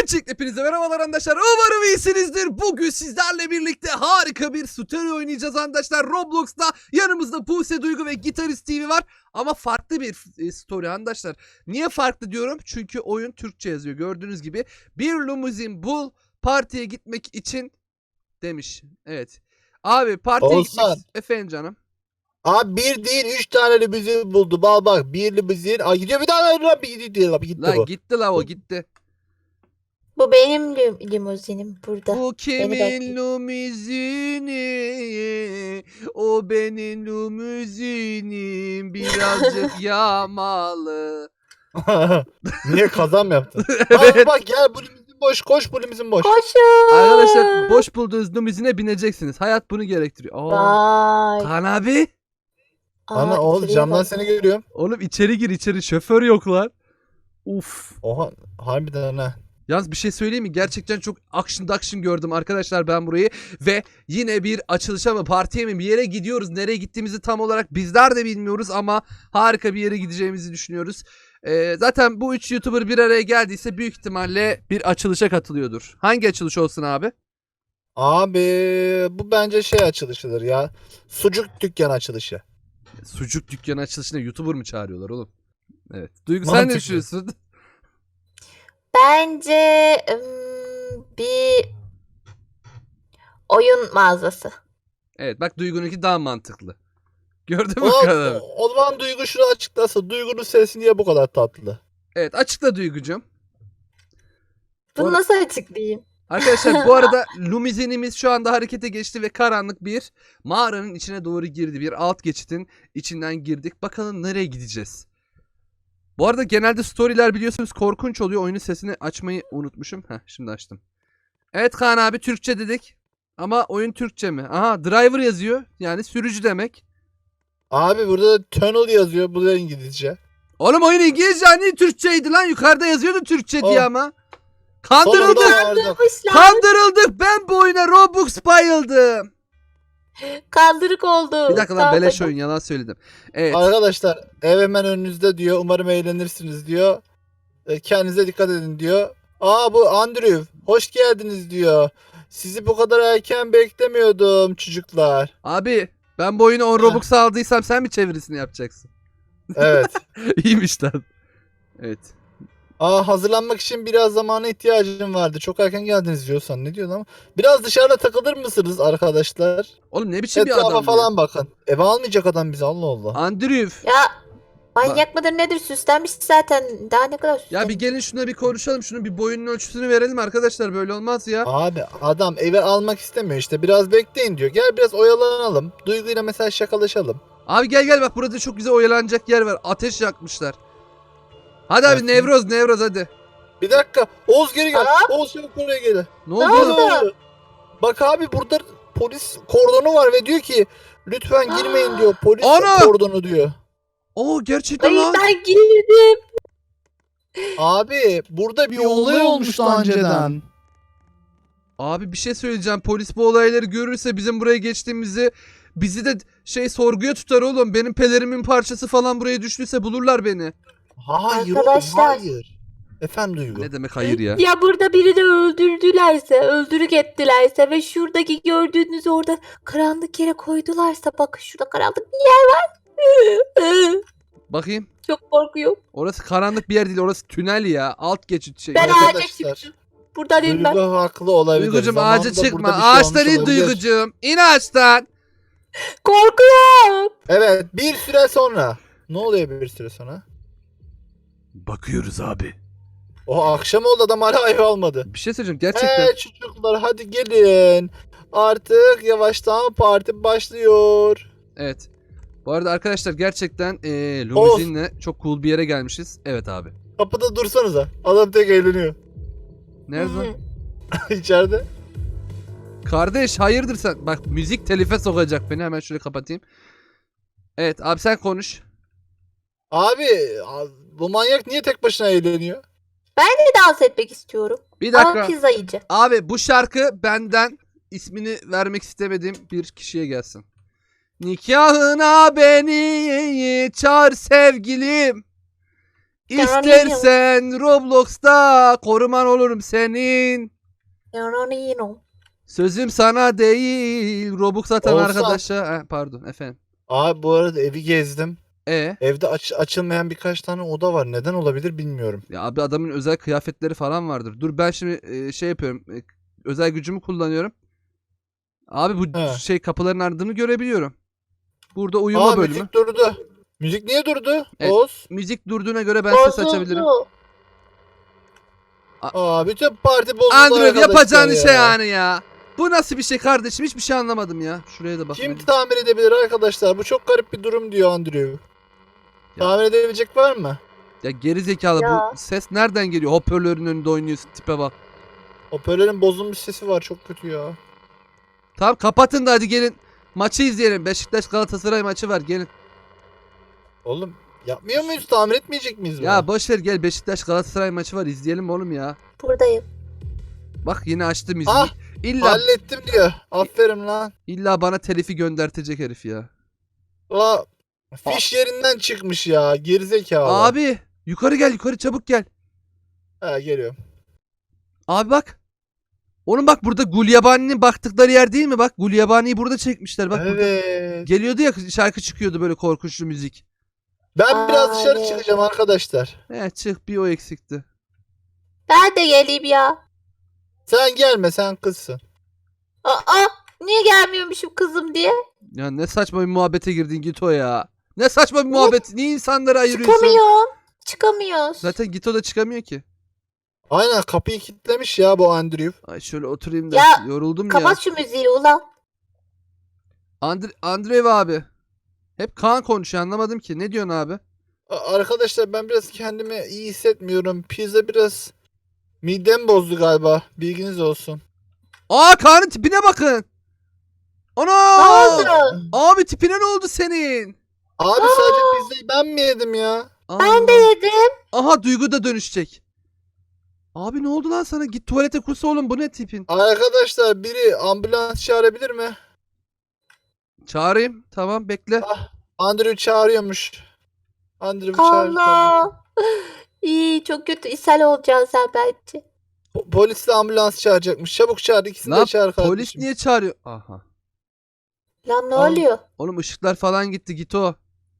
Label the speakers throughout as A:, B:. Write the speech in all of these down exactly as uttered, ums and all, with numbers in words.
A: Öncelikle hepinize merhabalar arkadaşlar. Umarım iyisinizdir. Bugün sizlerle birlikte harika bir story oynayacağız arkadaşlar. Roblox'ta yanımızda Buse Duygu ve Gitarist T V var. Ama farklı bir story arkadaşlar. Niye farklı diyorum? Çünkü oyun Türkçe yazıyor. Gördüğünüz gibi bir limuzin bul partiye gitmek için demiş. Evet. Abi partiye
B: Olsan.
A: gitmek... Efendim canım.
B: Abi bir değil üç tane limuzin buldu. Bak bak bir limuzin. Ay gidiyor bir tane lan bir gidiyor lan bir gitti
A: La
B: bu.
A: gitti la o gitti.
C: Bu benim lim- limuzinim burada.
A: Bu kimin
C: bekle.
A: limuzini? O benim limuzinim. Birazcık yağmalı.
B: Niye kazam yaptın?
A: Evet.
B: Bak bak gel bu limuzin boş koş bu limuzin boş.
C: Koşun.
A: Arkadaşlar boş bulduğunuz limuzine bineceksiniz. Hayat bunu gerektiriyor. Aa,
C: Vay.
A: Kaan abi.
C: Aa,
B: Ana oğlum
C: içeriye
B: camdan
C: bak.
B: seni görüyorum.
A: Oğlum içeri gir içeri. Şoför yok lan. Uf.
B: Oha harbiden ha.
A: Yalnız bir şey söyleyeyim mi? Gerçekten çok action action gördüm arkadaşlar ben burayı. Ve yine bir açılışa mı partiye mi bir yere gidiyoruz. Nereye gittiğimizi tam olarak bizler de bilmiyoruz ama harika bir yere gideceğimizi düşünüyoruz. Ee, zaten bu üç YouTuber bir araya geldiyse büyük ihtimalle bir açılışa katılıyordur. Hangi açılış olsun abi?
B: Abi bu bence şey açılışıdır ya. Sucuk dükkan açılışı.
A: Sucuk dükkanı açılışına YouTuber mı çağırıyorlar oğlum? Evet. Duygu sen
B: Mantıklı.
A: ne düşünüyorsun?
C: Bence ım, bir oyun mağazası.
A: Evet bak Duygu'nunki daha mantıklı. Gördün mü
B: O,
A: kadar?
B: o zaman Duygu şunu açıklasın. Duygu'nun sesi niye bu kadar tatlı?
A: Evet açıkla Duygu'cum.
C: Bunu
A: Or-
C: nasıl açıklayayım?
A: Arkadaşlar bu arada limuzinimiz şu anda harekete geçti ve karanlık bir mağaranın içine doğru girdi. Bir alt geçitin içinden girdik. Bakalım nereye gideceğiz? Bu arada genelde storyler biliyorsunuz korkunç oluyor. Oyunun sesini açmayı unutmuşum. Heh şimdi açtım. Evet Kaan abi Türkçe dedik. Ama oyun Türkçe mi? Aha driver yazıyor. Yani sürücü demek.
B: Abi burada tunnel yazıyor. Bu da İngilizce.
A: Oğlum oyun İngilizce hani Türkçeydi lan. Yukarıda yazıyordu Türkçe diye
B: Oh.
A: ama.
B: Sonunda
A: Kandırıldık.
B: vardık.
C: Kandırmışlar.
A: Kandırıldık. Ben bu oyuna Robux bayıldım.
C: Kandırık oldu.
A: Bir dakika lan
C: Sağ
A: beleş
C: olun.
A: oyun yalan söyledim. Evet.
B: Arkadaşlar ev hemen önünüzde diyor. Umarım eğlenirsiniz diyor. E, Kendinize dikkat edin diyor. Aa bu Andrew. Hoş geldiniz diyor. Sizi bu kadar erken beklemiyordum çocuklar.
A: Abi ben bu oyunu on Robux aldıysam sen mi çevirisini yapacaksın?
B: Evet.
A: İyiymiş lan. Evet.
B: Aa hazırlanmak için biraz zamana ihtiyacım vardı. Çok erken geldiniz diyorsan ne diyor lan? Biraz dışarıda takılır mısınız arkadaşlar?
A: Oğlum ne biçim bir
B: Etrafa
A: adam
B: falan
A: ya.
B: bakın. Eve almayacak adam bizi Allah Allah.
A: Andrew.
C: Ya manyak mıdır nedir süslenmiş zaten. Daha ne kadar süslenmiş.
A: Ya bir gelin şuna bir konuşalım. Şunun bir boyunun ölçüsünü verelim arkadaşlar. Böyle olmaz ya.
B: Abi adam eve almak istemiyor işte. Biraz bekleyin diyor. Gel biraz oyalanalım. Duyguyla mesela şakalaşalım.
A: Abi gel gel bak burada çok güzel oyalanacak yer var. Ateş yakmışlar. Hadi abi
B: Evet.
A: Nevroz Nevroz hadi.
B: Bir dakika. Oğuz geri gel.
C: Aa.
B: Oğuz çabuk buraya gel.
A: Ne
C: Ne
A: oldu?
C: oldu?
A: oğlum?
B: Bak abi burada polis kordonu var ve diyor ki lütfen girmeyin diyor. Polis
A: Ana!
B: kordonu diyor.
A: Oo gerçekten
C: Ay
A: lan.
C: ben girdim.
B: Abi burada bir olay olmuştu önceden.
A: Abi bir şey söyleyeceğim. Polis bu olayları görürse bizim buraya geçtiğimizi bizi de şey sorguya tutar oğlum. Benim pelerimin parçası falan buraya düştüyse bulurlar beni.
B: Hayır
C: Arkadaşlar.
B: oğlum hayır. Efendim Duygu.
A: Ne demek hayır ya?
C: Ya burada birini öldürdülerse, öldürük ettilerse ve şuradaki gördüğünüz orada karanlık yere koydularsa bakın şurada karanlık bir yer var.
A: Bakayım.
C: Çok korkuyorum.
A: Orası karanlık bir yer değil. Orası tünel ya. Alt geçit şey.
C: Ben
B: Arkadaşlar,
C: ağaca çıktım. Buradan
B: Duygu
C: inmem.
B: haklı olabilir.
A: Duygucum
B: Zamanında
A: ağaca çıkma.
B: burada bir şey
A: Ağaçtan
B: olmuş
A: in
B: olabilir.
A: Duygucum. İn ağaçtan.
C: Korkuyorum.
B: Evet bir süre sonra. Ne oluyor bir süre sonra?
A: Bakıyoruz abi.
B: O akşam oldu adam hala ev almadı.
A: Bir şey söyleyeceğim. Gerçekten.
B: Hey çocuklar hadi gelin. Artık yavaştan parti başlıyor.
A: Evet. Bu arada arkadaşlar gerçekten ee, limuzinle çok cool bir yere gelmişiz. Evet abi.
B: Kapıda dursanıza. Adam tek eğleniyor.
A: Nerede lan?
B: İçeride.
A: Kardeş hayırdır sen? Bak müzik telife sokacak beni. Hemen şöyle kapatayım. Evet abi sen konuş.
B: Abi bu manyak niye tek başına eğleniyor?
C: Ben de dans etmek istiyorum.
A: Bir
C: Ama
A: dakika.
C: pizza yiyeceğim.
A: Abi bu şarkı benden ismini vermek istemediğim bir kişiye gelsin. Nikahına beni çağır sevgilim. İstersen Roblox'ta koruman olurum senin.
C: Yaranino.
A: Sözüm sana değil. Robux atan
B: Olsan.
A: arkadaşa. Ha, pardon efendim.
B: Abi bu arada evi gezdim.
A: E
B: Evde aç- açılmayan birkaç tane oda var. Neden olabilir bilmiyorum.
A: ya abi adamın özel kıyafetleri falan vardır. Dur ben şimdi e, şey yapıyorum. e, özel gücümü kullanıyorum. Abi bu
B: He.
A: şey kapıların ardını görebiliyorum. Burada uyuma
B: Aa
A: bölümü.
B: müzik durdu. Müzik niye durdu?
A: Evet.
B: Oğuz.
A: Müzik durduğuna göre ben ses açabilirim.
C: Bozuldu.
B: Aa bütün parti bozuldu
A: Andrew
B: arkadaşlar
A: yapacağın
B: ya.
A: işe yani ya. Bu nasıl bir şey kardeşim? Hiçbir şey anlamadım ya. Şuraya da bak.
B: Kim tamir edebilir arkadaşlar? Bu çok garip bir durum diyor Andrew. Tamir edebilecek var mı?
A: Ya geri zekalı
C: Ya.
A: bu ses nereden geliyor? Hoparlörün önünde oynuyorsun tipe bak.
B: Hoparlörün bozulmuş sesi var çok kötü ya.
A: Tamam kapatın da hadi gelin. Maçı izleyelim. Beşiktaş Galatasaray maçı var gelin.
B: Oğlum yapmıyor muyuz? Tamir etmeyecek miyiz bunu?
A: Ya boş ver gel Beşiktaş Galatasaray maçı var izleyelim oğlum ya.
C: Buradayım.
A: Bak yine açtı müziği.
B: Ah,
A: İlla
B: hallettim diyor. Aferin lan.
A: illa bana telifi göndertecek herif ya.
B: La fiş yerinden çıkmış ya. Gerizekalı.
A: Abi yukarı gel yukarı çabuk gel.
B: Ha geliyorum.
A: Abi bak. Oğlum bak burada Gulyabani'nin baktıkları yer değil mi? Bak Gulyabani'yi burada çekmişler. Bak burada.
B: Evet.
A: Geliyordu ya şarkı çıkıyordu böyle korkunçlu müzik.
B: Ben
C: Aa,
B: biraz dışarı
C: evet.
B: çıkacağım arkadaşlar.
A: He çık bir o eksikti.
C: Ben de geleyim ya.
B: Sen gelme sen kızsın.
C: Aa, niye gelmiyormuşum kızım diye?
A: Ya ne saçma bir muhabbete girdin Gito ya. Ne saçma bir muhabbet. Niye insanları ayırıyorsun?
C: Çıkamıyorum. Çıkamıyoruz.
A: Zaten Gito da çıkamıyor ki.
B: Aynen kapıyı kilitlemiş ya bu Andrew.
A: Ay şöyle oturayım da
C: Ya,
A: yoruldum ya.
C: Kapat şu müziği ulan.
A: Andre Andreev abi. Hep Kaan konuşuyor anlamadım ki. Ne diyorsun abi?
B: A- Arkadaşlar ben biraz kendimi iyi hissetmiyorum. Pizza biraz midem bozdu galiba. Bilginiz olsun.
A: Aa Kaan'ın tipine bakın.
C: Ne
A: Ana!
C: oldu?
A: Abi tipine ne oldu senin?
B: Abi sadece pizzayı ben mi yedim ya?
C: Ben de yedim.
A: Aha Duygu da dönüşecek. Abi ne oldu lan sana? Git tuvalete kus oğlum bu ne tipin?
B: Arkadaşlar biri ambulans çağırabilir mi?
A: Çağırayım. Tamam bekle.
B: Andrew çağırıyormuş. Andrew çağır.
C: Allah. İyi çok kötü. İshal olacaksın sen bence.
B: Po- Polis de ambulans çağıracakmış. Çabuk çağır ikisini
A: Ne
B: de
A: yap-
B: çağır kardeşim.
A: Polis niye çağırıyor? Aha.
C: Lan ne
B: Aa.
C: oluyor?
A: Oğlum ışıklar falan gitti git o.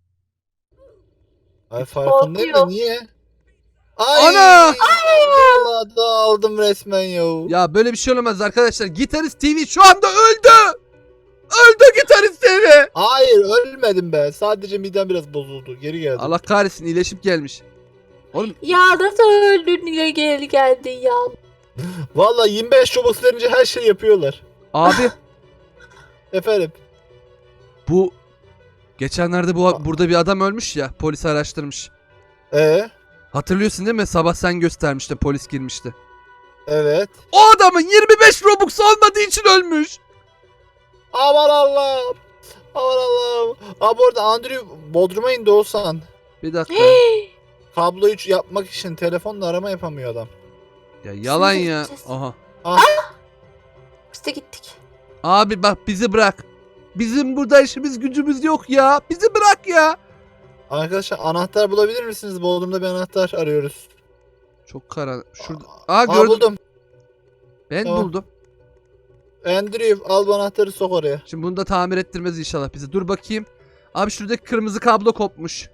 B: Ay farkındayım da
C: Korkuyor.
B: niye? Ay!
A: Ana!
B: Vallahi dağıldım resmen ya.
A: Ya böyle bir şey olamaz arkadaşlar. Gitarist T V şu anda öldü. Öldü Gitarist T V.
B: Hayır ölmedim be. Sadece midem biraz bozuldu. Geri geldim.
A: Allah kahretsin iyileşip gelmiş. Oğlum
C: Ya nasıl öldün niye geri geldin ya?
B: Vallahi yirmi beş Robux verince her şey yapıyorlar.
A: abi
B: Efendim.
A: bu geçenlerde bu burada bir adam ölmüş ya polis araştırmış.
B: Ee,
A: Hatırlıyorsun değil mi? Sabah sen göstermiştin polis girmişti.
B: evet.
A: O adamın yirmi beş Robux olmadığı için ölmüş.
B: Aman Allah'ım. Aman Allah'ım. Abi orada Andrew Bodrum'a indi olsan.
A: Bir dakika.
B: Kabloyu ç- yapmak için telefonla arama yapamıyor adam.
A: Ya yalan
C: Şimdi
A: ya.
C: gideceğiz.
A: Aha.
C: Biz de gittik.
A: Abi bak bizi bırak. Bizim burada işimiz gücümüz yok ya. Bizi bırak ya.
B: Arkadaşlar anahtar bulabilir misiniz? Bodrum'da bir anahtar arıyoruz.
A: Çok karanlık. Şurada.
B: Aa,
A: Aa gördüm.
B: buldum.
A: Ben
B: Tamam.
A: buldum.
B: Andrew al bu anahtarı sok oraya.
A: Şimdi bunu da tamir ettirmez inşallah bizi. Dur bakayım. Abi şuradaki kırmızı kablo kopmuş.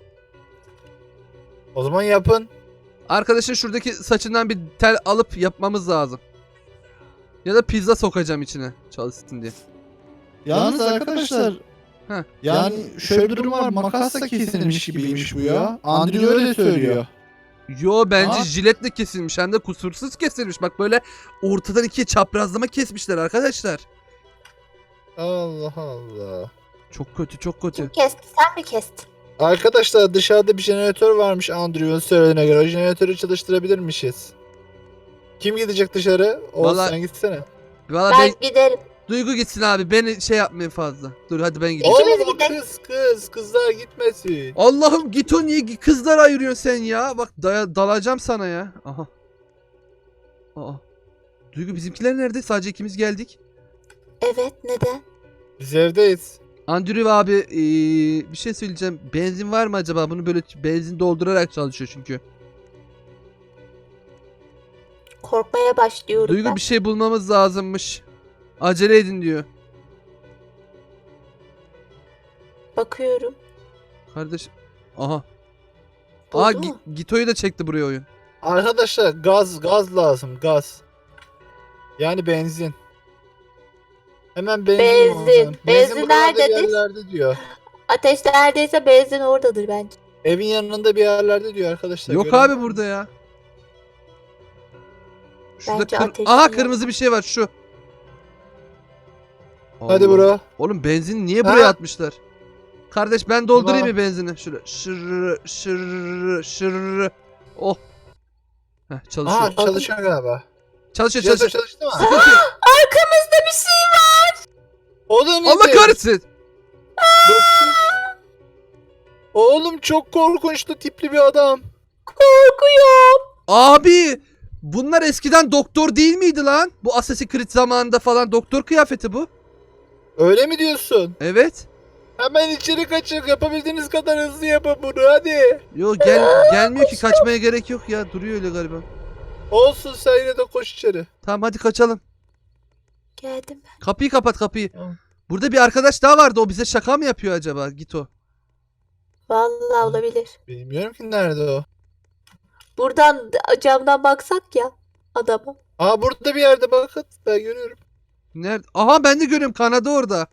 B: O zaman yapın.
A: Arkadaşın şuradaki saçından bir tel alıp yapmamız lazım. Ya da pizza sokacağım içine çalışsın diye.
B: Yalnız arkadaşlar
A: Heh.
B: yani şöyle bir durum var, makasla kesilmiş gibiymiş bu ya. Andrew öyle söylüyor.
A: Yo bence
B: Aa.
A: jiletle kesilmiş hem de kusursuz kesilmiş. Bak böyle ortadan ikiye çaprazlama kesmişler arkadaşlar.
B: Allah Allah.
A: Çok kötü çok kötü.
C: Kim kesti? Sen mi kestin?
B: Arkadaşlar dışarıda bir jeneratör varmış Andrew'un söylediğine göre. O jeneratörü çalıştırabilirmişiz. Kim gidecek dışarı? Oğuz
A: Vallahi-
B: sen gitsene.
A: Valla
C: Ben
A: ben
C: giderim.
A: Duygu gitsin abi. Beni şey yapmayın fazla. Dur hadi ben gideyim.
C: İkimiz
B: Oğlum o
C: gidelim.
B: kız kız. Kızlar gitmesin.
A: Allah'ım git o niye kızlar ayırıyorsun sen ya? Bak daya, dalacağım sana ya. Aha. Aa. Duygu bizimkiler nerede? Sadece ikimiz geldik.
C: Evet neden?
B: Biz evdeyiz.
A: Andrew abi ee, bir şey söyleyeceğim. Benzin var mı acaba? Bunu böyle benzin doldurarak çalışıyor çünkü.
C: Korkmaya başlıyorum
A: Duygu
C: ben.
A: bir şey bulmamız lazımmış. Acele edin diyor.
C: Bakıyorum.
A: Kardeş. Aha. Aa
C: Buldu
A: Gi-
C: mu?
A: Gito'yu da çekti buraya oyun.
B: Arkadaşlar gaz gaz lazım gaz. Yani benzin. Hemen benzin.
C: Benzin.
B: lazım.
C: Benzin
B: buralarda bir
C: nerededir?
B: yerlerde diyor.
C: Ateş neredeyse benzin oradadır bence.
B: Evin yanında bir yerlerde diyor arkadaşlar.
A: Yok
B: Gören
A: abi
B: var mı?
A: burada ya. Şurada
C: Bence
A: kır-
C: ateş
A: Aha
C: yok.
A: kırmızı bir şey var şu.
B: Hadi
A: Allah.
B: bro.
A: Oğlum benzin niye
B: Ha?
A: buraya atmışlar? Kardeş ben doldurayım
B: Tamam.
A: mı benzini? Şöyle şırr şırr şırr. Oh. Heh, çalışıyor.
B: Aha çalışıyor galiba.
A: Çalışıyor
B: Çalışıyor
A: çalışıyor.
B: çalıştı mı?
A: Sıkıntı yok.
C: Arkamızda bir şey var.
B: O da ne?
A: Allah kahretsin.
B: Oğlum çok korkunçlu tipli bir adam.
C: Korkuyorum.
A: Abi bunlar eskiden doktor değil miydi lan? Bu Assassin's Creed zamanında falan doktor kıyafeti bu.
B: Öyle mi diyorsun?
A: Evet.
B: Hemen içeri kaçın. Yapabildiğiniz kadar hızlı yapın bunu hadi.
A: Yo gel gelmiyor ki kaçmaya gerek yok ya. Duruyor öyle galiba.
B: Olsun sen yine de koş içeri.
A: Tamam hadi kaçalım.
C: Geldim ben.
A: Kapıyı kapat kapıyı.
B: Tamam.
A: Burada bir arkadaş daha vardı. O bize şaka mı yapıyor acaba? Git o.
C: Vallahi olabilir.
B: Bilmiyorum ki nerede o.
C: Buradan camdan baksak ya adama.
B: Aa burada bir yerde bakın. Ben görüyorum.
A: Nerede? Aha ben de görüyorum. Kanadı orada.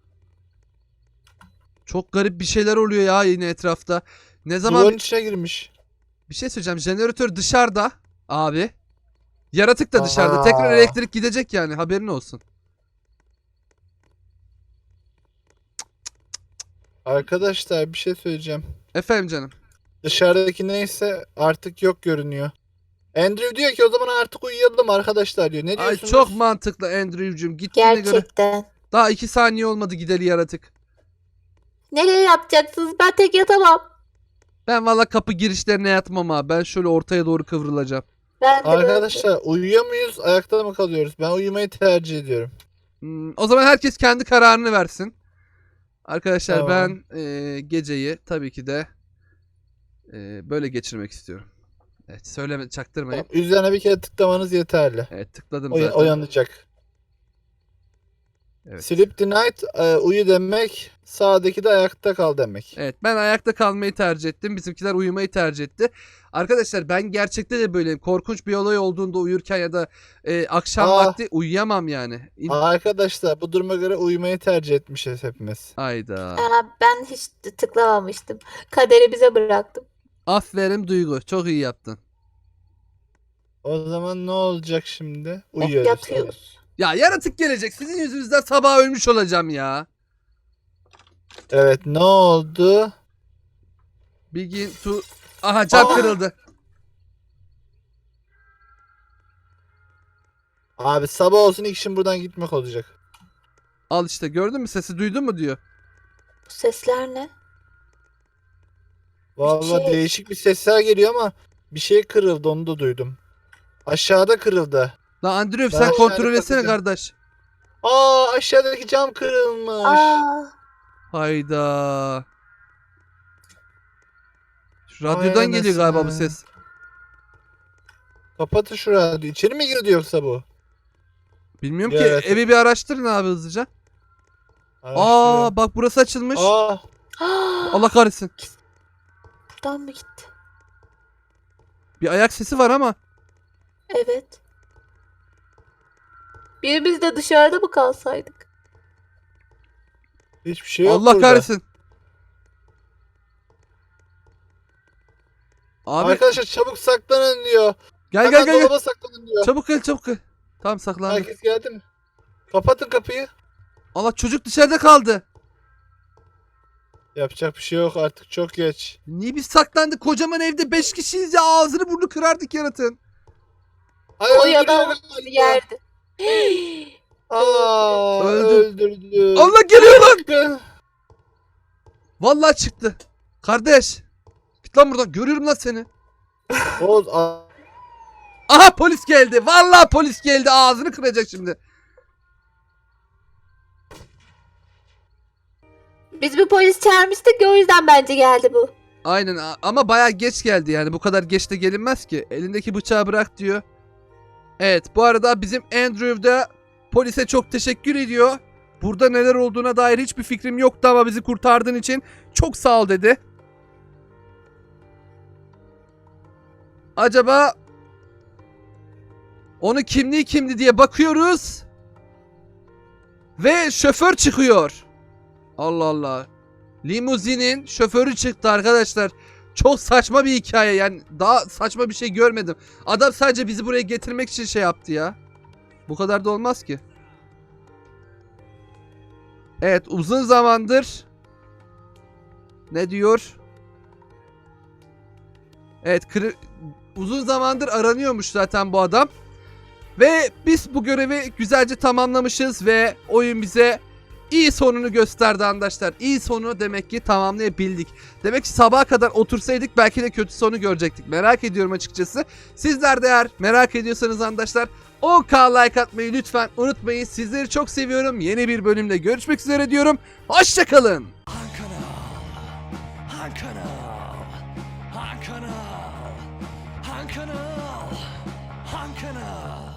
A: Çok garip bir şeyler oluyor ya yine etrafta. Ne zaman
B: Duvarın içine girmiş.
A: bir şey söyleyeceğim. Jeneratör dışarıda abi. Yaratık da dışarıda.
B: Aa.
A: Tekrar elektrik gidecek yani. Haberin olsun.
B: Arkadaşlar bir şey söyleyeceğim.
A: Efendim canım.
B: Dışarıdaki neyse artık yok görünüyor. Andrew diyor ki o zaman artık uyuyalım arkadaşlar diyor. Ne
A: Ay
B: diyorsunuz?
A: çok mantıklı Andrew'cum. Gittiğine göre.
C: Gerçekten.
A: Daha iki saniye olmadı gideli yaratık.
C: Nereye yatacaksınız? Ben tek yatamam.
A: Ben valla kapı girişlerine yatmam abi. Ben şöyle ortaya doğru kıvrılacağım.
C: Ben de böyle.
B: Arkadaşlar uyuyor muyuz? Ayakta mı kalıyoruz? Ben uyumayı tercih ediyorum.
A: Hmm, o zaman herkes kendi kararını versin. Arkadaşlar
B: Tamam.
A: ben e, geceyi tabii ki de e, böyle geçirmek istiyorum. Evet söyleme çaktırmayın.
B: Tamam, üzerine bir kere tıklamanız yeterli.
A: Evet tıkladım
B: O,
A: zaten.
B: uyanacak.
A: Evet.
B: Sleep the night e, uyu demek. Sağdaki de ayakta kal demek.
A: Evet ben ayakta kalmayı tercih ettim. Bizimkiler uyumayı tercih etti. Arkadaşlar ben gerçekte de böyleyim. Korkunç bir olay olduğunda uyurken ya da e, akşam
B: Aa.
A: vakti uyuyamam yani. İm-
B: Arkadaşlar bu duruma göre uyumayı tercih etmişiz hepimiz.
A: Hayda.
C: Aa, ben hiç tıklamamıştım. Kaderi bize bıraktım.
A: Aferin Duygu. Çok iyi yaptın.
B: O zaman ne olacak şimdi? Uyuyoruz.
C: Yatıyoruz.
A: Ya yaratık gelecek. Sizin yüzünüzden sabah ölmüş olacağım ya.
B: Evet ne oldu?
A: Begin to... Aha cam
B: Aa.
A: kırıldı.
B: Abi sabah olsun ilk işim buradan gitmek olacak.
A: Al işte gördün mü sesi duydun mu diyor.
C: Bu sesler ne?
B: Vallahi
C: şey-
B: değişik bir sesler geliyor ama bir şey kırıldı onu da duydum. Aşağıda kırıldı.
A: Lan Andrew
B: Ben
A: sen
B: aşağıda
A: kontrol etsene
B: bakacağım.
A: kardeş.
B: Aa aşağıdaki cam kırılmış.
C: Aa,
A: Hayda. Şu radyodan
B: Vay
A: geliyor galiba bu
B: anasını.
A: ses.
B: Kapatın şu radyoyu. İçeri mi girdi yoksa bu?
A: Bilmiyorum
B: Bir
A: ki
B: yaratık.
A: evi bir araştırın abi hızlıca.
B: Araştırıyorum.
A: Aa bak burası açılmış.
B: Aa,
A: Allah kahretsin.
C: buradan mı gitti?
A: Bir ayak sesi var ama.
C: Evet. Birimiz de dışarıda mı kalsaydık?
B: hiçbir şey yok
A: Allah
B: burada.
A: kahretsin. Abi
B: Arkadaşlar çabuk saklanın diyor.
A: gel
B: Hemen
A: gel gel. gel.
B: dolaba saklanın diyor.
A: Çabuk gel çabuk gel. Tamam saklandım.
B: Herkes geldi mi? Kapatın kapıyı.
A: Allah çocuk dışarıda kaldı.
B: Yapacak bir şey yok artık çok geç.
A: Niye biz saklandık? Kocaman evde beş kişiyiz ya. Ağzını burnunu kırardık yaratığın.
B: Ay,
C: O
B: öldürüyor
C: ya da
B: galiba.
C: bir yerde.
B: Aa,
A: Öldü.
B: öldürdü.
A: Allah geliyor lan. Vallahi çıktı. Kardeş. Git lan buradan. Görüyorum lan seni.
B: Oğuz, a-
A: Aha polis geldi. Vallahi polis geldi. Ağzını kıracak şimdi.
C: Biz bir polis çağırmıştık ya, o yüzden bence geldi bu.
A: Aynen a- ama bayağı geç geldi yani. Bu kadar geç de gelinmez ki. Elindeki bıçağı bırak diyor. Evet, bu arada bizim Andrew da polise çok teşekkür ediyor. Burada neler olduğuna dair hiçbir fikrim yoktu ama bizi kurtardığın için çok sağ ol dedi. Acaba onun kimliği kimdi diye bakıyoruz. Ve şoför çıkıyor. Allah Allah. Limuzinin şoförü çıktı arkadaşlar. Çok saçma bir hikaye yani. Daha saçma bir şey görmedim. Adam sadece bizi buraya getirmek için şey yaptı ya. Bu kadar da olmaz ki. Evet, uzun zamandır ne diyor? Evet, kırı- uzun zamandır aranıyormuş zaten bu adam. Ve biz bu görevi güzelce tamamlamışız ve oyun bize iyi sonunu gösterdi arkadaşlar. İyi sonu demek ki tamamlayabildik. Demek ki sabaha kadar otursaydık belki de kötü sonu görecektik. Merak ediyorum açıkçası. Sizler de eğer merak ediyorsanız arkadaşlar on bin like atmayı lütfen unutmayın. Sizleri çok seviyorum. Yeni bir bölümde görüşmek üzere diyorum. Hoşçakalın.
D: Han kanal. Han kanal. Han kanal. Han kanal. Han kanal.